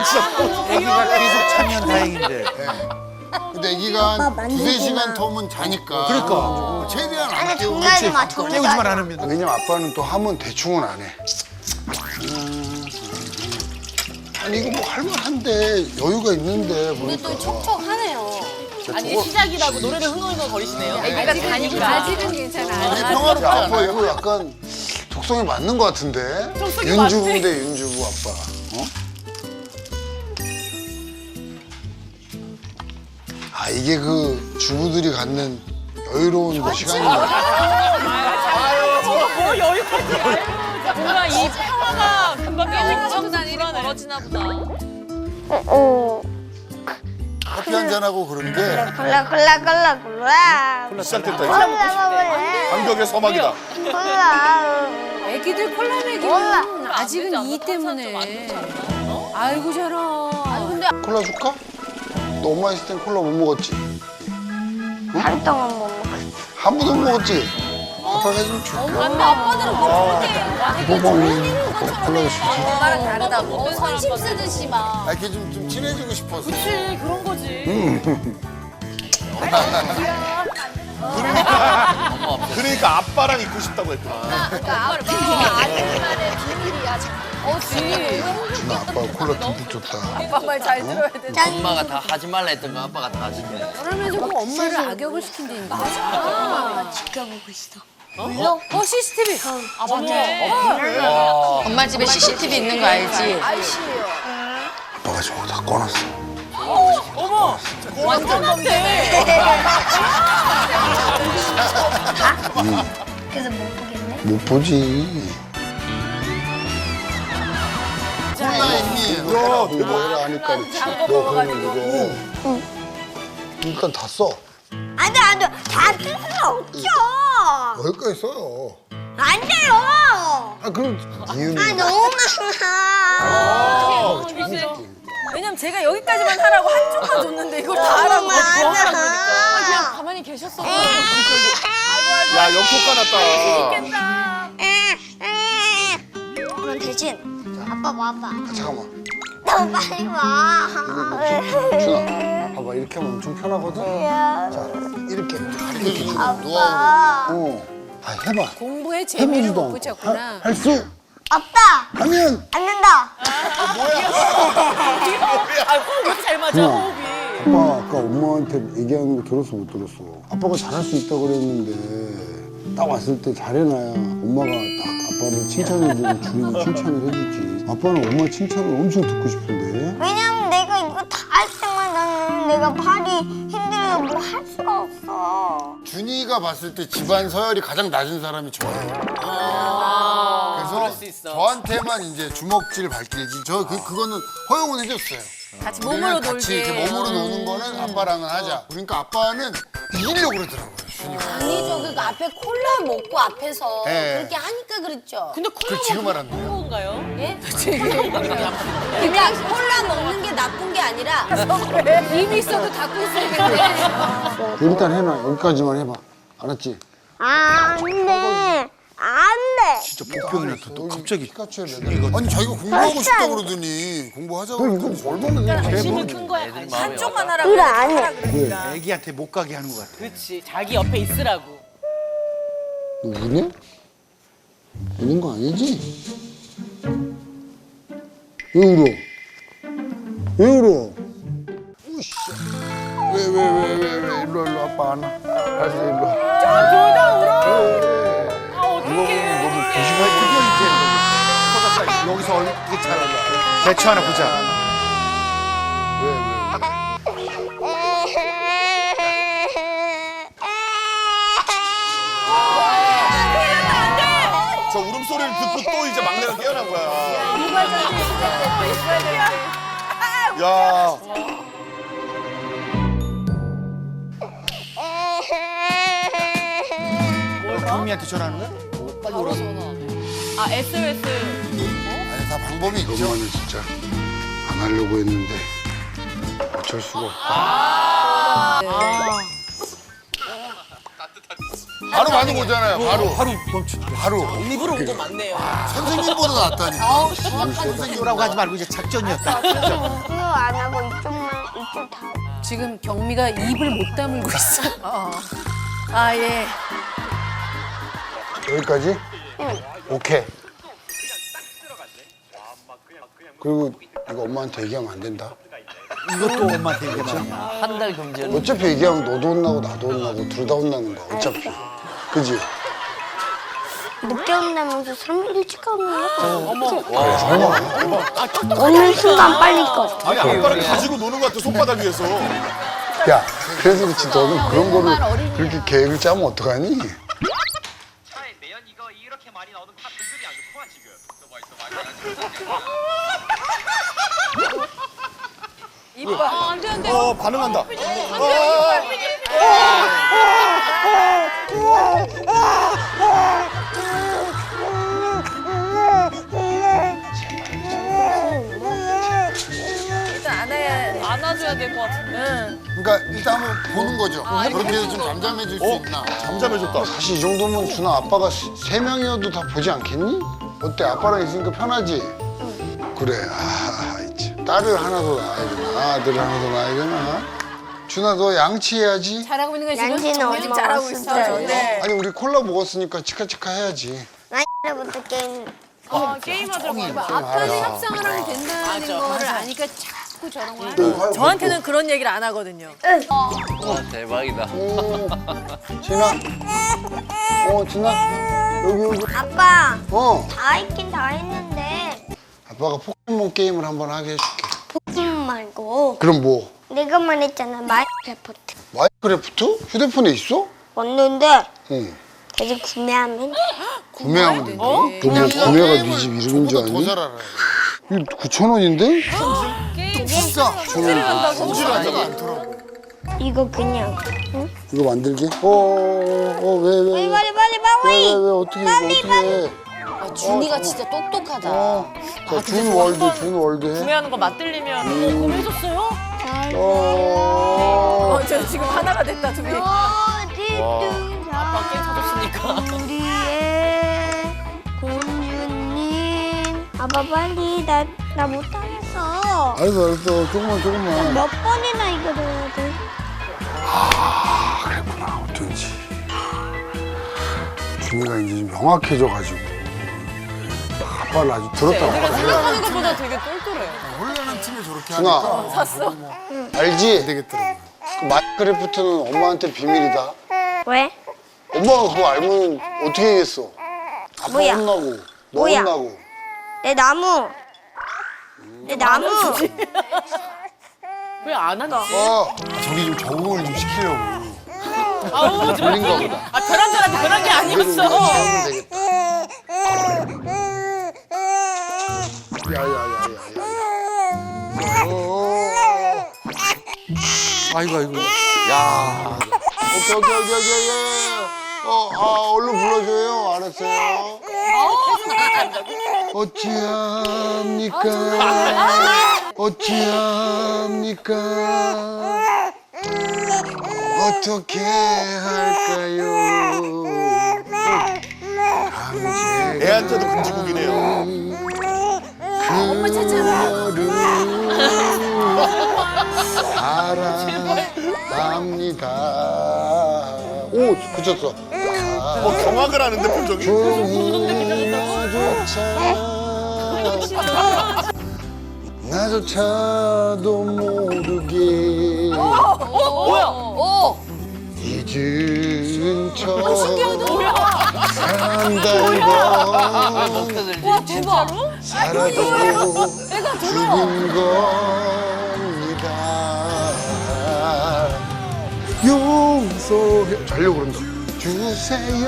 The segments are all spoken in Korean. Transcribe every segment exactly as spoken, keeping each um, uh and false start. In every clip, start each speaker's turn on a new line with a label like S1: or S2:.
S1: 진짜.
S2: 애기가 계속 차면 다행인데.
S3: 근데 애기가 한 두세 시간 터면 자니까.
S2: 그러니까.
S3: 최대한 안
S4: 아니
S3: 깨우고.
S4: 정리하지 마. 정리하지
S2: 깨우지만
S4: 마.
S2: 않으면.
S5: 왜냐면 아빠는 또 하면 대충은 안 해. 아니 이거 뭐 할만한데 여유가 있는데
S4: 근데 또
S5: 보니까.
S4: 촉촉하네요.
S6: 아니 시작이라고 노래를 흥얼흥얼 거리시네요.
S4: 애기가 자니까. 아직은 괜찮아.
S3: 이게 평화롭지
S5: 아빠
S3: 않아요?
S5: 이거 약간 적성에 맞는 것 같은데?
S6: 적성에
S5: 윤주부인데 윤주부 아빠. 어? 아 이게 그 주부들이 갖는 여유로운 그 시간인 것 같아.
S6: 뭐 여유까지. 뭔가 이 평화가 금방 깨지고 다니는 벌어지나 보다.
S3: 커피 한잔하고 그런데
S4: 콜라 콜라 콜라 콜라.
S1: 시작됐다.
S4: 콜라 먹을래.
S1: 감격의 서막이다.
S4: 콜라.
S7: 애기들 콜라 먹이면 아직은 이 때문에. 아이고 저런.
S4: 아니 근데
S5: 콜라 줄까? 너 엄마 있을 땐 콜라 못 먹었지?
S4: 하루 동안 못 먹었어.
S5: 한 번도 못 먹었지? 아빠가 해주면 줄게.
S4: 근데 아빠들은 그렇게
S5: 뭐 먹니? 콜라 주지.
S4: 엄마랑 다르다고. 선심 쓰듯이 막.
S3: 아, 이렇게 좀, 좀 친해지고 싶었어.
S6: 그치 그런 거지.
S1: 그러니까 아빠랑 있고 싶다고 했구나.
S4: 그러니까 아빠 아들만의 비밀이야. 어 비밀.
S5: 준아 아빠 콜라 듬뿍 줬다.
S7: 아빠 말 잘 들어야 돼.
S8: 엄마가 다 하지 말라 했던 거 아빠가 다 하시네.
S7: 그러면서 꼭 엄마를 악역을 시킨다니까.
S4: 엄마가 지켜보고 있어.
S7: 어? 어 씨씨티비.
S6: 아 맞네.
S9: 엄마 집에 씨씨티비 있는 거 알지?
S4: 아이씨예요.
S5: 아빠가 저거 다 꺼놨어.
S6: 어머 완전한데.
S4: 그래서 못 보겠네.
S5: 못 보지.
S3: 콜라 있니?
S5: 너 뭐라 하니까 그렇지. 너 그러면 이거 일단 다 써.
S4: 안돼 안돼 다 쓰면 없죠.
S5: 여기까지 써요.
S4: 안 돼요.
S5: 아 그럼 이유는
S4: 아 너무 많아.
S7: 왜냐면 제가 여기까지만 하라고 한쪽만 줬는데 이걸 다 하라고.
S4: 너무 많아.
S6: 그냥 가만히 계셨어.
S1: 야, 역효과 났다.
S4: 그럼 대신 아빠 와봐.
S5: 아, 잠깐만.
S4: 너 빨리 와.
S5: 준아 봐봐 이렇게 하면 엄청 편하거든. 자 이렇게 이렇게 줘.
S4: 아빠.
S5: 어. 아 해봐.
S7: 공부에 재미를
S5: 해보지도
S7: 못
S5: 않고.
S7: 붙였구나.
S5: 할 수
S4: 아빠.
S5: 하면
S4: 안 된다.
S6: 아왜 이렇게 잘 맞아
S5: 준아.
S6: 호흡이.
S5: 아빠 아까 엄마한테 얘기하는 거 들었어 못 들었어? 아빠가 잘할 수 있다고 그랬는데 딱 왔을 때 잘해놔야 엄마가 딱 아빠를 칭찬해주고 주는 칭찬을 해주지. 아빠는 엄마 칭찬을 엄청 듣고 싶은데.
S4: 왜냐면 내가 이거 다 할 때만 나는 내가 팔이 힘들어서 뭐 할 수가 없어.
S3: 준이가 봤을 때 집안 서열이 가장 낮은 사람이 저예요. 그래서
S6: 그럴 수 있어.
S3: 저한테만 이제 주먹질 발길이지. 저 그 그거는 허용은 해줬어요.
S7: 같이
S3: 우리는
S7: 몸으로
S3: 같이
S7: 놀게.
S3: 이렇게 몸으로 노는 거는 아빠랑은 하자. 그러니까 아빠는 이기려고 그러더라고요, 준이가.
S4: 아니죠. 그러니까 앞에 콜라 먹고 앞에서
S3: 네.
S4: 그렇게 하니까 그랬죠.
S6: 근데
S3: 그
S6: 콜라
S3: 지금
S6: 먹는
S3: 알았네요.
S6: 건가요?
S4: 예? 그러니까 콜라 먹는 게 나쁜 게 아니라
S7: 입이 있어도 닫고 있어야겠네.
S5: 일단 해놔. 여기까지만 해봐. 알았지?
S4: 안 돼. 안 돼.
S2: 진짜 복병이나 또 갑자기.
S5: 피카츄에 매달려.
S3: 아니 자기가 공부하고 싶다고 그러더니 공부하자고
S5: 너 이거 얼마나
S6: 관심이 큰 거야. 관심.
S7: 한쪽만 하라고.
S4: 이거 안 해.
S7: 하라 그러니까.
S2: 애기한테 못 가게 하는 것 같아.
S6: 그렇지 자기 옆에 있으라고.
S5: 너 우네? 우는 거 아니지? 왜 울어? 왜 울어? 우씨. 왜, 왜, 왜, 왜, 왜, 일로, 일로, 아빠 안 와. 알았어, 일로 와.
S6: 둘다 울어.
S5: 왜?
S6: 아 어떡해.
S5: 너무
S2: 조심해. 드디어 이제 여기서 어떻게 잘하나. 대처 하나 보자.
S5: 왜, 왜?
S1: 저 울음소리를 듣고 또 이제 막내가 깨어난 거야. 야,
S2: 경미한테 전화하는 거야?
S3: 빨리 오라고.
S6: 아 에스오에스.
S3: 아니 다 방법이 있죠.
S5: 너무는 진짜 안 하려고 했는데 어쩔 수가 없다.
S6: 아.
S3: 바로 반응 오잖아요. 바로.
S2: 바로 멈춘.
S3: 바로.
S2: 입으로 온 거 맞네요.
S3: 선생님보다 낫다니.
S2: 선생님이라고 하지 말고 이제 작전이었다.
S4: 그거 안 하고 이쪽만 이쪽 다.
S7: 지금 경미가 입을 못 다물고 있어. 아 예.
S5: 여기까지? 오케이. 그리고 이거 엄마한테 얘기하면 안 된다.
S2: 이것도 엄마한테 얘기하면.
S8: 한 달 금지는.
S5: 어차피 얘기하면 너도 혼나고 나도 혼나고 둘 다 혼나는 거야. 어차피. 그지?
S4: 늦게 온다면서 삼 일 일찍 가면
S5: 설마.
S4: 오늘 순간 빨리 꺼.
S1: 아니 아빠를 가지고 노는 것 같아 손바닥 위에서.
S5: 야, 그래서 그렇지. 너는 그런 거를 그렇게 계획을 짜면 어떡하니?
S10: 차에 매연 이거 이렇게 많이 나오는 다 분들이 안 좋구만 지금.
S6: 이뻐. 아, 안 돼, 안 돼.
S1: 어 반응한다.
S7: 일단 안아야
S6: 안아줘야 될 것 같은데.
S7: 응.
S3: 그러니까 일단 한번 보는 거죠. 그렇게 해서 좀 잠잠해질 수
S1: 어
S3: 있나.
S1: 잠잠해졌다.
S5: 사실 이 정도면 준아 아빠가 세- 세 명이어도 다 보지 않겠니? 어때? 아빠랑 있으니까 편하지? 그래. 아, 있지. 딸을 하나 더 낳아야 되나? 아들을 하나 더 낳아야 되나? 준아 너 양치해야지.
S7: 잘하고 있는 거야 지금?
S4: 양치는
S7: 정말
S4: 엄마가
S7: 잘하고
S4: 했을
S7: 있어.
S4: 때.
S7: 네.
S5: 아니 우리 콜라 먹었으니까 치카치카 해야지.
S4: 나이부터 게임.
S6: 아, 게임하더라고.
S7: 아빠는 협상을 하면 된다는 거를 아니까 자꾸 저런 걸 하는 저한테는 그런 얘기를 안 하거든요.
S8: 와 대박이다.
S5: 진아. 어, 진아. 여기 여기.
S4: 아빠
S5: 어.
S4: 다 했긴 다 했는데
S5: 아빠가 포켓몬 게임을 한번 하게 해줄게.
S4: 포켓몬 말고
S5: 그럼 뭐?
S4: 내가 말했잖아 마이크래프트.
S5: 마이크래프트? 휴대폰에 있어?
S4: 왔는데
S5: 응.
S4: 대신 구매하면 돼.
S5: 구매하면 된대. 너 뭐 구매가 네 집 이름인 줄
S3: 저보다 더
S5: 아니?
S3: 잘 알아요.
S5: 이거 구천 원인데?
S3: 비싸.
S1: 성질을 하잖아.
S3: 않더라고.
S4: 이거 그냥 응?
S5: 이거 만들게? 어, 어, 어, 왜, 왜,
S4: 빨리
S5: 왜,
S4: 빨리 빨리
S5: 왜,
S4: 빨리.
S5: 왜, 왜, 어떻게, 이거 어떻게 해?
S9: 아, 준이가 진짜 똑똑하다.
S5: 어, 자, 준 월드, 준 월드 해.
S6: 구매하는 거 맞들리면
S7: 구매해줬어요?
S5: 어,
S7: 어, 저 지금 하나가 됐다 둘이.
S4: 어디든
S6: 아빠 게임 사줬으니까.
S4: 우리의 공주님. 아빠 빨리 나 나 못하겠어.
S5: 알았어, 알았어. 조금만, 조금만.
S4: 몇 번이나 이거 해야 돼?
S5: 그랬구나, 어쩐지. 준이가 이제 좀 명확해져가지고. 아빠를 아주 들었다 놨다.
S6: 생각하는 것보다 되게 똘똘해.
S3: 훈련한 팀이 저렇게
S5: 준아,
S3: 하니까.
S7: 샀어.
S5: 알지?
S3: 되겠더라고요.
S5: 그 마이크래프트는 엄마한테 비밀이다.
S4: 왜?
S5: 엄마가 그거 알면 어떻게 하겠어? 아빠
S4: 뭐야?
S5: 혼나고, 너
S4: 뭐야?
S5: 혼나고.
S4: 내 나무. 내 나무.
S6: 왜 안 한다?
S5: 어,
S3: 저기 좀 적응을 좀 시키려고.
S6: 아우, 좀.
S5: 돌린가 보다.
S6: 아, 그런 줄 알았는데 그런 게 아니었어.
S5: 하면 되겠다. 야야야야야.
S2: 아이고 아이고.
S8: 야.
S5: 오케이 오케이 오케이 오케이. 어, 아 얼른 불러줘요. 알았어요. 어찌합니까? 어찌합니까? 어떻게 할까요?
S1: 애한테도 금지곡이네요.
S7: 엄마 찾잖아.
S5: 그녀를 사랑합니다. 오, 그쳤어.
S1: 뭐 경악을 하는데 표정이.
S5: 나조차 나조차도 모르게
S6: 뭐야?
S7: 어.
S5: 잊은 척
S6: 뭐야?
S5: 산다는 건
S8: 먹혀들지.
S7: 와 대박.
S5: 살아도 죽은 겁니다. 용서해 자려고 그런다. 주세요.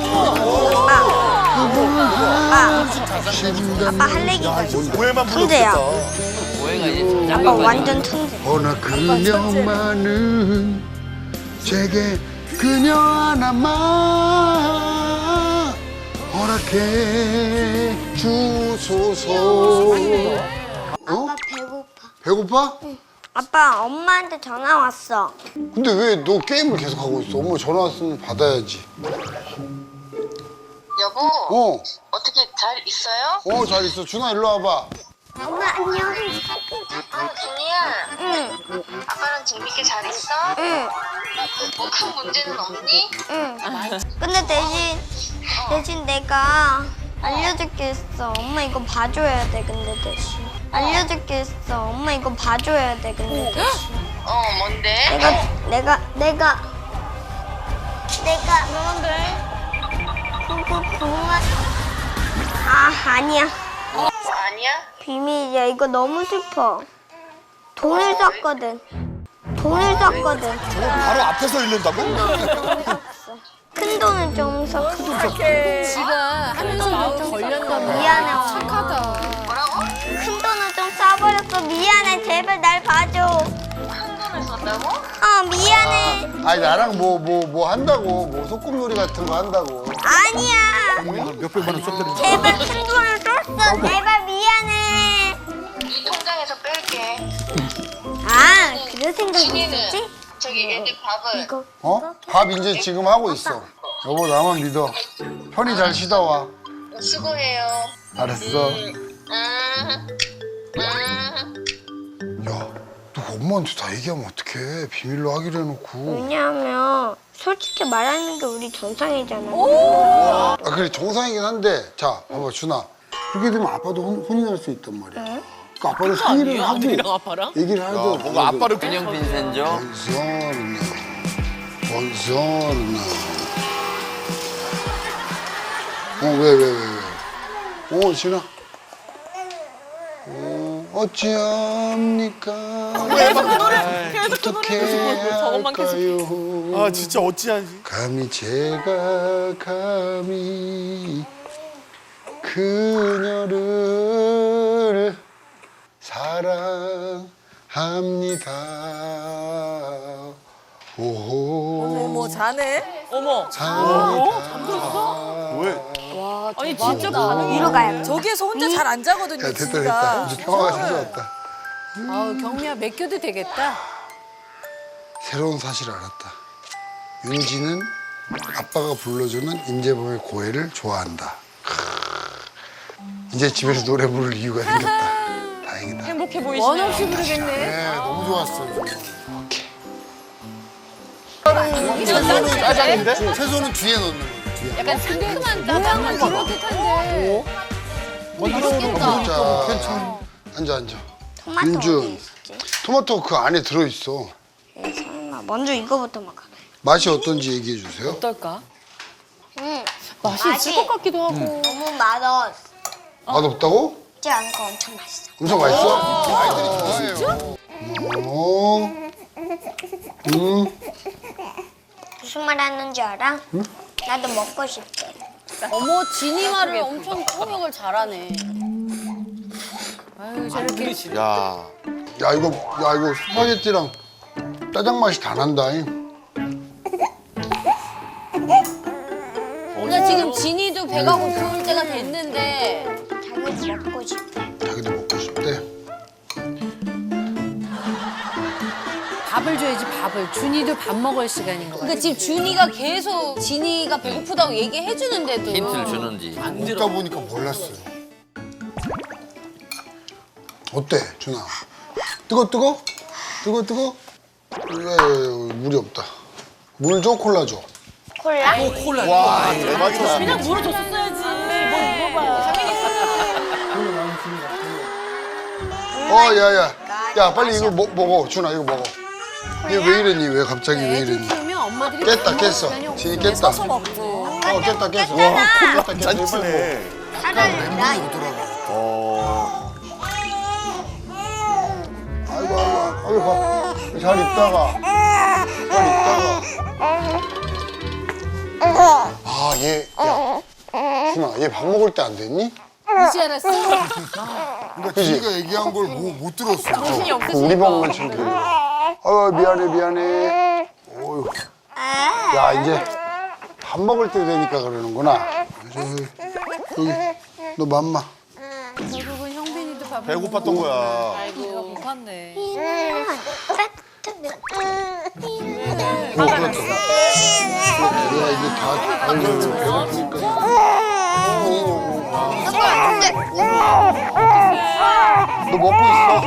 S4: 아빠 할 얘기가 있어.
S1: 오해만
S4: 천재야.
S1: 불러주겠다.
S8: 오해가 이제
S4: 아빠
S8: 작은
S4: 완전 천재.
S5: 허나 그녀만은 제게 그녀 하나만 허락해 주소서. 어?
S4: 아빠 배고파.
S5: 배고파?
S4: 아빠, 엄마한테 전화 왔어.
S5: 근데 왜 너 게임을 계속 하고 있어? 엄마 전화 왔으면 받아야지.
S11: 여보,
S5: 어,
S11: 어떻게 잘 있어요?
S5: 어, 잘 있어. 준아, 일로 와봐.
S4: 엄마, 안녕.
S11: 아, 준이야.
S4: 응,
S11: 아빠랑 재밌게 잘 있어?
S4: 응,
S11: 뭐 큰 문제는 없니?
S4: 응. 근데 대신, 대신 내가 알려줄 게 있어. 엄마 이거 봐줘야 돼, 근데 대신. 알려줄 게 있어. 엄마 이거 봐줘야 돼, 근데 대신.
S11: 어, 뭔데?
S4: 내가, 내가, 내가, 내가.
S6: 그런데
S4: 그거, 그만. 아, 아니야.
S11: 아니야?
S4: 비밀이야. 이거 너무 슬퍼. 돈을 썼거든. 돈을 썼거든.
S1: 저거 바로 앞에서 잃는다고?
S4: 큰 돈은 좀 썼거든.
S7: 지가 하면서도 걸렸나 봐.
S4: 미안해. 엄마.
S7: 착하다.
S11: 뭐라고?
S4: 큰 돈을 좀 써버렸어. 미안해. 제발 날 봐줘.
S11: 큰 돈을 썼다고?
S4: 어, 미안해.
S5: 아니, 나랑 뭐, 뭐, 뭐 한다고. 뭐 소꿉놀이 같은 거 한다고.
S4: 아니야.
S2: 몇백만 원 썼더니.
S4: 제발 큰 돈을 썼어. 제발 미안해.
S11: 이 통장에서 뺄게.
S4: 아, 그런 생각이
S11: 준이는
S4: 있었지?
S11: 저기 애들 밥을
S4: 이거.
S5: 어? 밥 이제 지금 하고 있어. 여보, 나만 믿어. 편히 잘 쉬다 와.
S11: 수고해요.
S5: 알았어.
S11: 음, 음.
S5: 야, 너 엄마한테 다 얘기하면 어떡해. 비밀로 하기로 해놓고.
S4: 왜냐하면 솔직히 말하는 게 우리 정상이잖아.
S5: 아, 그래, 정상이긴 한데. 자, 봐봐, 준아. 그렇게 되면 아빠도 혼, 혼이 날 수 있단 말이야. 그러니까 아빠도 상의를 하고
S6: 아들이랑 아빠랑?
S5: 얘기를 하죠.
S1: 뭔가 아빠를
S8: 균형 빈센조.
S5: 번서르나, 번서르나. 어, 왜, 왜, 왜, 왜? 어, 진아. 어, 어찌합니까? 어떻게
S6: 저것만 계속.
S5: 할까요?
S2: 아 진짜 어찌하지?
S5: 감히 제가 감히 그녀를 사랑합니다. 오호.
S7: 뭐 자네?
S6: 어머.
S5: 사랑합니다.
S1: 왜?
S6: 아니 진짜 반응이
S4: 위로 가야 돼.
S7: 저기에서 혼자 잘 안 자거든요,
S5: 야, 됐다,
S7: 진짜.
S5: 됐다. 이제 평화가 찾아왔다.
S7: 아우, 경미야, 맡겨도 되겠다.
S5: 새로운 사실을 알았다. 윤지는 아빠가 불러주는 임재범의 고해를 좋아한다. 크. 이제 집에서 노래 부를 이유가 생겼다. 다행이다.
S6: 행복해 보이시네요.
S7: 원 없이 부르겠네.
S5: 네, 너무 좋았어.
S1: 채소는 짜장인데?
S5: 채소는 뒤에 넣는 거야. 뒤에.
S7: 약간 상큼한 따뜻한 그렇듯한데.
S5: 자, 괜찮아. 앉아, 앉아.
S4: 토마토
S5: 윤준.
S4: 어디 있지?
S5: 토마토 그 안에 들어있어.
S4: 에이, 설마. 먼저 이거부터 먹어.
S5: 맛이 어떤지 얘기해 주세요.
S6: 어떨까?
S4: 응.
S6: 맛이 있을 것 같기도 하고.
S4: 너무 맛없어.
S5: 맛없다고?
S4: 지 않고 엄청 맛있어.
S5: 엄청 맛있어? 아이들이 좋아해요. 어. 음.
S4: 무슨 말 하는지 알아? 나도 먹고 싶대.
S9: 어머, 진이 말을 엄청 통역을 잘하네.
S7: 아유, 저렇게.
S1: 야.
S5: 야 이거 야 이거 스파게티랑 짜장 맛이 다 난다잉.
S9: 그러니까 지금 진이도 배가 고플 때가 됐는데
S4: 자기도 먹고 싶대.
S5: 자기도 먹고 싶대.
S7: 밥을 줘야지, 밥을. 준이도 밥 먹을 시간인 것 같아.
S9: 그러니까 지금 준이가 계속 진이가 배고프다고 얘기해 주는데도
S8: 힌트를 주는지.
S5: 먹다 보니까 몰랐어요. 어때 준아? 뜨거 뜨거? 뜨거 뜨거? 왜 물이 없다. 물 줘 콜라 줘.
S4: 콜라?
S1: 와, 대박이다.
S6: 그냥 물어줬었어야지. 뭘 물어봐.
S5: 어 야야 야 빨리 이거 먹, 먹어 준아 이거 먹어. 얘 왜 이랬니? 왜 갑자기 왜
S7: 애들
S5: 이랬니?
S7: 키우면 엄마들이
S5: 깼다
S7: 밥 먹을
S5: 깼어.
S7: 시간이 없어.
S5: 진이 깼다.
S7: 서서 먹고.
S5: 어 깼다 깼어.
S4: 깼잖아.
S5: 깼다 깼어.
S1: 짠치네.
S4: 차라리 나
S1: 어.
S5: 아이고 아이고 아이고 잘 있다가 잘 있다가 아얘 야 준아 얘 밥 먹을 때 안 됐니?
S7: 이제 알았어?
S5: 그러니까 지가 얘기한 걸 못 들었어.
S6: 정신이
S5: 그
S6: 없으시니까.
S5: 우리 방만 챙겨. 아 미안해 미안해. 어휴. 야 이제 밥 먹을 때 되니까 그러는구나. 저기, 여기 너 맘마.
S7: 결국은 형빈이도 밥
S1: 배고팠던 거야.
S7: 아이고 못팠네.
S3: 어, 그렇다. 내가 이게 다 알려고 배고프니까. 너 먹고 있어?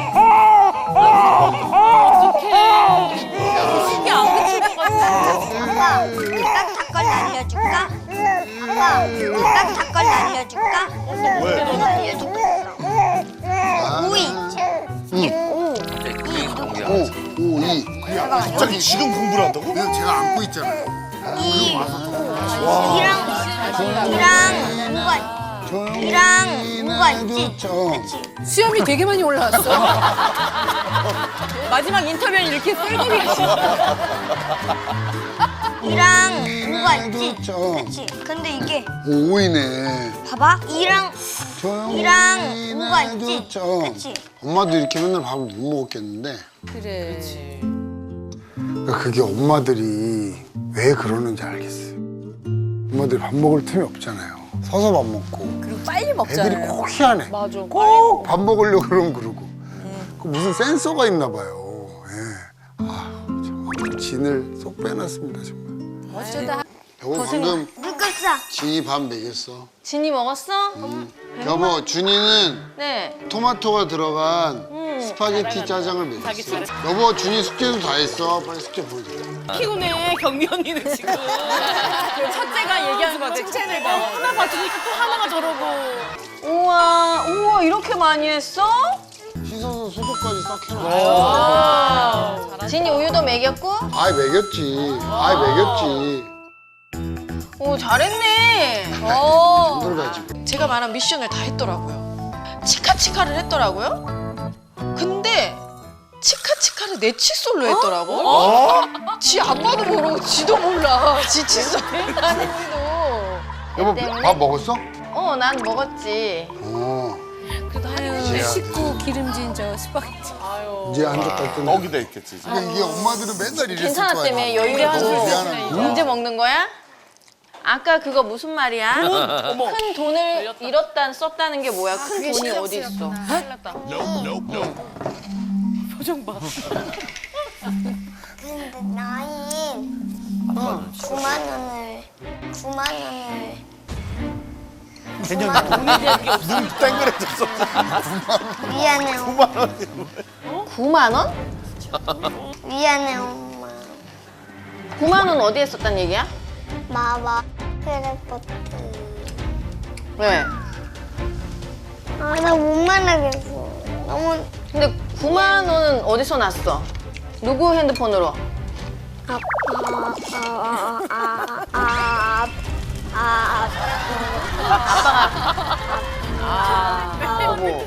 S7: 이게 안 그칠 것 같아.
S4: 아빠, 깍 걸 알려줄까? 아빠, 깍 걸 알려줄까?
S1: 왜?
S4: 알려주고 있어. 오이. 오.
S8: 네, 공개.
S3: 오, 오, 이.
S1: 갑자기 지금 공부를 한다고?
S3: 그냥 제가 안고 있잖아요.
S4: 이. 이랑 이랑 뭐가 이랑 뭐가 있지? 그렇지.
S7: 수염이 되게 많이 올라왔어. 마지막 인터뷰는 이렇게 뿔기리 하시고.
S4: 이랑 뭐가 있지?
S3: 그렇죠.
S4: 그렇지. 근데 이게
S3: 오, 오이네.
S4: 봐봐. 이랑 이랑 뭐가 있지?
S3: 그렇죠.
S4: 그렇지.
S3: 엄마도 이렇게 맨날 밥을 못 먹었겠는데.
S7: 그래.
S3: 그러니까 그게 엄마들이 왜 그러는지 알겠어요. 엄마들이 밥 먹을 틈이 없잖아요. 서서 밥 먹고.
S7: 그리고 빨리
S3: 애들이
S7: 먹잖아요.
S3: 꼭 희한해.
S7: 맞아.
S3: 꼭 밥 먹으려고 그러면 그러고. 그 무슨 센서가 있나 봐요. 예. 아, 참 진을 쏙 빼놨습니다 정말.
S7: 어쩌다.
S3: 여보 방금
S4: 누구사?
S3: 진이 밥 먹였어.
S9: 진이 먹었어?
S3: 여보 준이는
S9: 네.
S3: 토마토가 들어간 스파게티 짜장을 먹였어. 여보 준이 숙제도 다 했어. 빨리 숙제 보여줘.
S6: 피곤해 경미 언니는 지금. 첫째가 얘기하는 거 칭찬을 봐. 하나 봐주니까 또 하나가 저러고.
S9: 우와, 우와 이렇게 많이 했어?
S3: 씻어서 수도까지 싹 해놔.
S9: 진이 우유도 먹였고?
S3: 아이 먹였지. 아이 먹였지.
S9: 오 잘했네.
S3: 힘들어가지고.
S6: 제가 말한 미션을 다 했더라고요. 치카치카를 했더라고요. 근데 치카치카를 내 칫솔로 했더라고. 어? 지 아빠도 모르고 지도 몰라. 지 칫솔.
S9: 나는도.
S3: 여보
S9: 때문에?
S3: 밥 먹었어?
S9: 어, 난 먹었지.
S3: 어.
S7: 아유, 식구 기름진 저 스파게티.
S3: 이제 한적 갈 때는.
S1: 떡이 돼 있겠지. 이제.
S3: 근데 이게 엄마들은 맨날 이랬을
S9: 괜찮았다며
S3: 거야.
S9: 여유를
S3: 너무
S9: 하고.
S3: 미안하니까.
S9: 언제 먹는 거야? 아까 그거 무슨 말이야? 큰 돈을 잃었다 썼다는 게 뭐야? 큰 돈이 어디 있어?
S6: 표정 봐.
S4: 근데 나인 구만 원을 구만 원을
S1: 개념이 눈 땡그레졌어.
S4: 미안해 엄마.
S9: 구만 원?
S4: 미안해 엄마.
S9: 구만 원 어디에 썼단 얘기야?
S4: 마마 크래프트.
S9: 왜?
S4: 아 나 못 말하겠어. 너무
S9: 근데 구만 원은 어디서 났어? 누구 핸드폰으로?
S4: 아아아아아아
S9: 여보.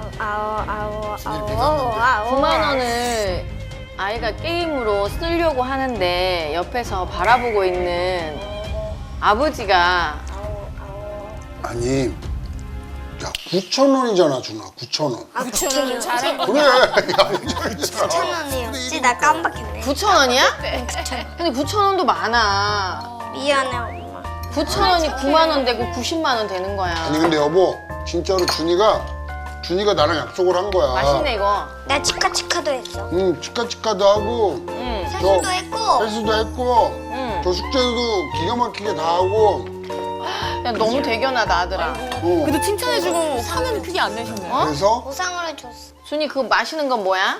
S9: 구만 원을 아이가 게임으로 쓰려고 하는데 옆에서 바라보고 있는 아버지가
S3: 아니, 야 구천 원이잖아 준아. 구천 원.
S4: 구천 원 잘해.
S3: 그래. 야 이거 있잖아.
S4: 구천 원이었지 나 깜빡했네.
S9: 구천 원이야? 근데 구천 원도 많아.
S4: 미안해 엄마.
S9: 구천 원이 구만 원 되고 구십만 원 되는 거야.
S3: 아니 근데 여보 진짜로 준이가 준이가 나랑 약속을 한 거야.
S9: 맛있네 이거.
S4: 나 치카치카도 했어.
S3: 응 치카치카도 하고
S9: 응.
S4: 세수도 했고.
S3: 헬스도 했고
S9: 응.
S3: 저 숙제도 기가 막히게 다 하고.
S9: 야, 너무 대견하다 아들아.
S3: 어.
S6: 그래도 칭찬해주고 화는 크게 안 내셨네.
S9: 어?
S3: 그래서
S4: 보상으로 줬어.
S9: 준이 그거 마시는 건 뭐야?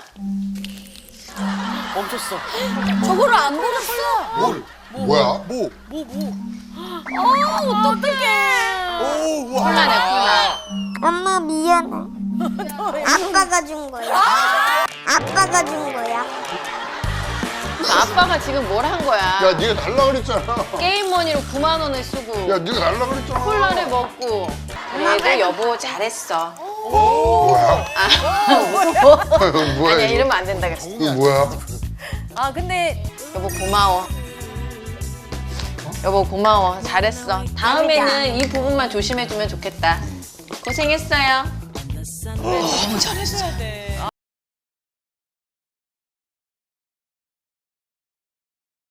S6: 멈췄어.
S7: 저거를 안 버렸어.
S3: 뭘? 뭐야?
S1: 뭐?
S6: 뭐 뭐.
S1: 오, 우와.
S9: 콜라네 콜라.
S4: 엄마 미안해. 아빠가 준 거야. 아빠가 준 거야.
S9: 아빠가 지금 뭘 한 거야?
S3: 야 네가 달라 그랬잖아.
S9: 게임 머니로 구만 원을 쓰고
S3: 야 네가 달라 그랬잖아.
S9: 콜라를 먹고. 그래도 여보 잘했어.
S3: 뭐야? 뭐야
S9: 아니야
S3: 이거?
S9: 이러면 안 된다 그랬어.
S3: 이거 뭐야?
S7: 아, 근데
S9: 여보 고마워. 여보 고마워. 잘했어. 다음에는 이 부분만 조심해주면 좋겠다. 고생했어요.
S6: 너무 잘했어야 돼.